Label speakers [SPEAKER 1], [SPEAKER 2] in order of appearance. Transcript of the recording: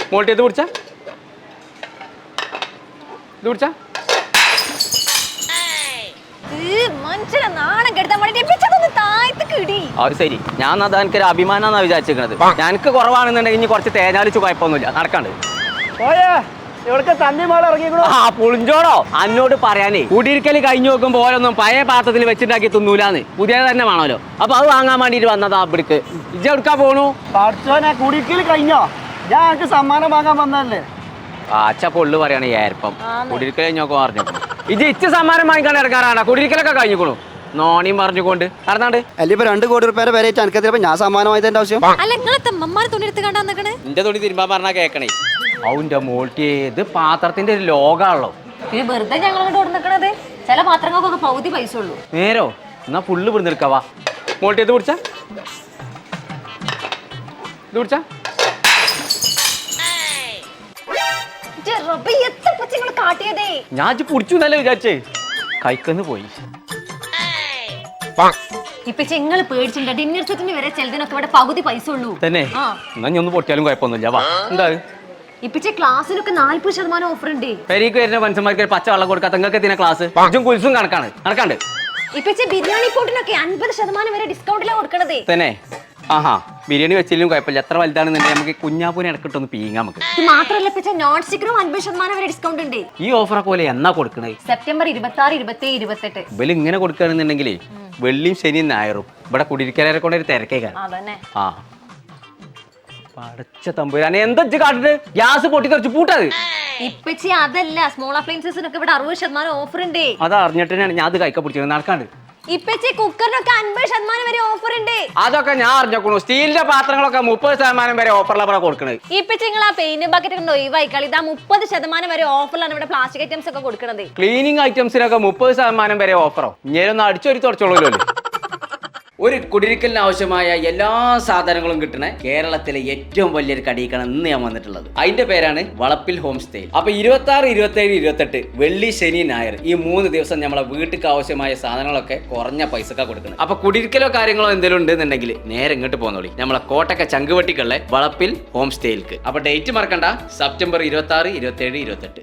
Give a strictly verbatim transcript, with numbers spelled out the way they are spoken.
[SPEAKER 1] മോൾട്ടി ഇത് കുടിച്ചാ ഇത് കുടിച്ചാ ശരി. ഞാൻ അത് എനിക്കൊരു അഭിമാനാന്നാ വിചാരിച്ചിരിക്കണത്. ഞങ്ങൾക്ക് കുറവാണെന്നുണ്ടെങ്കിൽ ഇനി കുറച്ച് തേനാലിച്ച് കുഴപ്പമൊന്നുമില്ല. നടക്കാണ്ട് ആ പുളിഞ്ചോടോ അന്നോട് പറയാനേ കുടിയിരിക്കല് കഴിഞ്ഞു നോക്കുമ്പോ ഓരോന്നും പഴയ പാത്രത്തിൽ വെച്ചിട്ടാക്കി തിന്നൂലാന്ന് പുതിയത് തന്നെ വേണമല്ലോ. അപ്പൊ അത് വാങ്ങാൻ വേണ്ടിട്ട് വന്നതാ ഇവിടേക്ക്. ഇജ്ജ എടുക്കാൻ പോണു?
[SPEAKER 2] കുടിയിരിക്കല് കഴിഞ്ഞോ? ഞാൻ എനിക്ക് സമ്മാനം വാങ്ങാൻ വന്നതല്ലേ.
[SPEAKER 1] ആച്ച പൊള്ളു പറയാണ് ഏർപ്പം. കുടിയിരിക്കൽ കഴിഞ്ഞോക്കെ പറഞ്ഞു ഇജ്ജ് ഇച്ച സമ്മാനം വാങ്ങിക്കാൻ ഇറങ്ങാറാണ്. കുടിയിരിക്കലൊക്കെ കഴിഞ്ഞുകൊള്ളു നോണിയും പറഞ്ഞുകൊണ്ട് നടന്നാണ്ട്.
[SPEAKER 2] അല്ല ഇപ്പൊ രണ്ട് കോടി റുപ്യ വില എനിക്കത്തിയപ്പോ ഞാൻ സമ്മാനം വാങ്ങിയതിന്റെ ആവശ്യം.
[SPEAKER 1] എന്റെ തുണി തിരുമ്പാൻ പറഞ്ഞാ കേക്കണേ. അവന്റെ മോൾട്ടി ഇത് പാത്രത്തിന്റെ ഒരു ലോകാണല്ലോ.
[SPEAKER 3] വെറുതെ ഞങ്ങൾ ചില പാത്രങ്ങൾക്കൊക്കെ പകുതി പൈസ ഉള്ളൂ.
[SPEAKER 1] നേരോ എന്നാ ഫുള്ള് ഇവിടെ നിൽക്കാവാ. മോൾട്ടി ഇത് കുടിച്ചാ ഇത് കുടിച്ചാ ഞാൻ കുടിച്ചു എന്നല്ലേ വിചാരിച്ചേ. കൈക്കന്ന് പോയി.
[SPEAKER 3] ഇപ്പൊ നിങ്ങൾ പേടിച്ചിട്ടുണ്ട്. ഡിന്നർ സെറ്റിന് വരെ ചിലതിനൊക്കെ ഇവിടെ പകുതി പൈസ ഉള്ളൂ
[SPEAKER 1] തന്നെ. എന്നാ ഞാൻ ഒന്ന് പൊട്ടിയാലും കുഴപ്പമൊന്നുമില്ല. വാ എന്താ
[SPEAKER 3] ഇപ്പിച്ച ക്ലാസ്സിലൊക്കെ നാല്പത് ശതമാനം ഓഫർ ഉണ്ട്.
[SPEAKER 1] പെരീക്ക് വരുന്ന മനുഷ്യന്മാർക്ക് പച്ച വെള്ളം കൊടുക്കാത്ത നിങ്ങൾക്ക് എത്തിന ക്ലാസ് ഇതും കുൽസും കണക്കാണ് നടക്കാണ്ട്.
[SPEAKER 3] ഇപ്പിച്ച ബിരിയാണി പോട്ടിനൊക്കെ അൻപത് ശതമാനം വരെ ഡിസ്കൗണ്ടിലാണ് കൊടുക്കണത്.
[SPEAKER 1] തന്നെ. ആഹാ ബിരിയാണി വെച്ചില്ലും കുഴപ്പമില്ല. എത്ര വലുതാണെന്നുണ്ടെങ്കിൽ നമുക്ക് കുഞ്ഞാപ്പൂനെ ഇടക്കിട്ടൊന്ന് പീങ്ങാം. നമുക്ക്
[SPEAKER 3] ഇത് മാത്രമല്ല ഇപ്പിച്ച നോൺ സ്റ്റിക്കറും അൻപത് ശതമാനം വരെ ഡിസ്കൗണ്ട് ഉണ്ട്.
[SPEAKER 1] ഈ ഓഫറെ പോലെ എന്നാ കൊടുക്കണേ?
[SPEAKER 3] സെപ്റ്റംബർ ഇരുപത്തി ആറ് ഇരുപത്തി ഏഴ് ഇരുപത്തെട്ട്
[SPEAKER 1] ഇവല് ഇങ്ങനെ കൊടുക്കുകയാണെന്നുണ്ടെങ്കിൽ വെള്ളിയും ശനിയും ഞായറും ഇവിടെ കുടിയിരിക്കലരെ കൊണ്ട് ഒരു തിരക്കേക്കാണ്. ആ പടച്ച തമ്പുരാനെ എന്താ കാട്ടിട്ട് ഗ്യാസ് പൊട്ടി തെറിച്ച് പൂട്ടത്.
[SPEAKER 3] ഇപ്പച്ചി അതല്ല സ്മോൾ അപ്ലയൻസസിനൊക്കെ ഇവിടെ അറുപത് ശതമാനം ഓഫർ ഉണ്ട്.
[SPEAKER 1] അത് അറിഞ്ഞിട്ടാണ് ഞാൻ അത് കൈക്ക പിടിച്ചത്. നടക്കാണ്ട്.
[SPEAKER 3] ഇപ്പച്ചി കുക്കറിനൊക്കെ അൻപത് ശതമാനം വരെ ഓഫർ ഉണ്ട്.
[SPEAKER 1] അതൊക്കെ ഞാൻ അറിഞ്ഞോക്കണു. സ്റ്റീലിന്റെ പാത്രങ്ങളൊക്കെ മുപ്പത് ശതമാനം വരെ ഓഫറിലാണ് കൊടുക്കണത്.
[SPEAKER 3] ഇപ്പച്ചി നിങ്ങൾ ആ പെയിന്റ് ബക്കറ്റ് ഉണ്ടോ ഒഴിവായിക്കളി. ഇതാ മുപ്പത് ശതമാനം വരെ ഓഫറിലാണ് ഇവിടെ പ്ലാസ്റ്റിക് ഐറ്റംസ് ഒക്കെ കൊടുക്കുന്നത്.
[SPEAKER 1] ക്ലീനിങ് ഐറ്റംസിനൊക്കെ മുപ്പത് ശതമാനം വരെ ഓഫറോ? ഇങ്ങനെ അടിച്ചൊരു തുടച്ചോളൂല്ലോ. ഒരു കുടിയിരിക്കലിന് ആവശ്യമായ എല്ലാ സാധനങ്ങളും കിട്ടുന്ന കേരളത്തിലെ ഏറ്റവും വലിയൊരു കടയിക്കാണ് ഇന്ന് ഞാൻ വന്നിട്ടുള്ളത്. അതിന്റെ പേരാണ് വളപ്പിൽ ഹോം സ്റ്റേ. അപ്പൊ ഇരുപത്തി ആറ് ഇരുപത്തി ഏഴ് ഇരുപത്തെട്ട് വെള്ളി ശനി ഞായർ ഈ മൂന്ന് ദിവസം നമ്മളെ വീട്ടിലേക്ക് ആവശ്യമായ സാധനങ്ങളൊക്കെ കുറഞ്ഞ പൈസക്കാ കൊടുക്കുന്നത്. അപ്പൊ കുടിയിരിക്കലോ കാര്യങ്ങളോ എന്തെങ്കിലും ഉണ്ടെന്നുണ്ടെങ്കിൽ നേരെ ഇങ്ങോട്ട് പോന്നോളി നമ്മളെ കോട്ടക്ക ചങ്കുവെട്ടിക്കുള്ള വളപ്പിൽ ഹോം സ്റ്റേയിലേക്ക്. അപ്പൊ ഡേറ്റ് മറക്കണ്ട, സെപ്റ്റംബർ ഇരുപത്തി ആറ് ഇരുപത്തി ഏഴ് ഇരുപത്തെട്ട്.